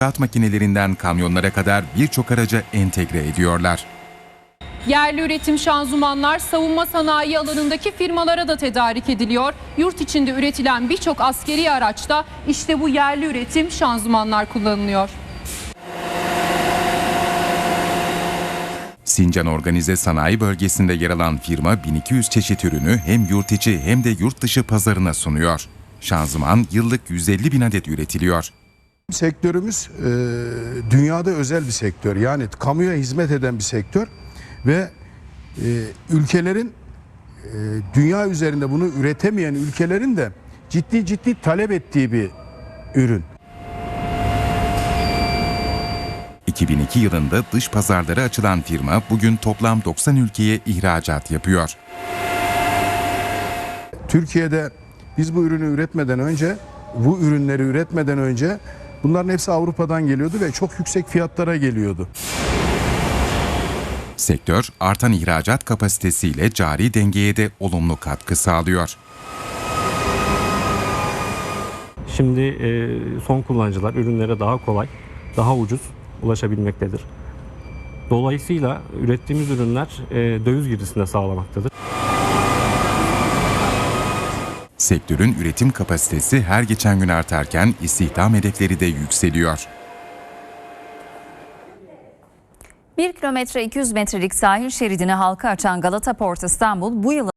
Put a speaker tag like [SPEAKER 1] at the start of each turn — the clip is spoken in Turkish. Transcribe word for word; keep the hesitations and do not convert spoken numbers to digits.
[SPEAKER 1] İnşaat makinelerinden kamyonlara kadar birçok araca entegre ediyorlar.
[SPEAKER 2] Yerli üretim şanzımanlar savunma sanayi alanındaki firmalara da tedarik ediliyor. Yurt içinde üretilen birçok askeri araçta işte bu yerli üretim şanzımanlar kullanılıyor.
[SPEAKER 1] Sincan Organize Sanayi Bölgesi'nde yer alan firma bin iki yüz çeşit ürünü hem yurt içi hem de yurt dışı pazarına sunuyor. Şanzıman yıllık yüz elli bin adet üretiliyor.
[SPEAKER 3] Sektörümüz e, dünyada özel bir sektör, yani kamuya hizmet eden bir sektör ve e, ülkelerin e, dünya üzerinde bunu üretemeyen ülkelerin de ciddi ciddi talep ettiği bir ürün.
[SPEAKER 1] iki bin iki yılında dış pazarlara açılan firma bugün toplam doksan ülkeye ihracat yapıyor.
[SPEAKER 3] Türkiye'de biz bu ürünü üretmeden önce, bu ürünleri üretmeden önce bunların hepsi Avrupa'dan geliyordu ve çok yüksek fiyatlara geliyordu.
[SPEAKER 1] Sektör artan ihracat kapasitesiyle cari dengeye de olumlu katkı sağlıyor.
[SPEAKER 4] Şimdi e, son kullanıcılar ürünlere daha kolay, daha ucuz ulaşabilmektedir. Dolayısıyla ürettiğimiz ürünler e, döviz girdisini de sağlamaktadır.
[SPEAKER 1] Sektörün üretim kapasitesi her geçen gün artarken istihdam hedefleri de yükseliyor.
[SPEAKER 5] bir kilometre iki yüz metrelik sahil şeridini halka açan Galata Port İstanbul bu yıl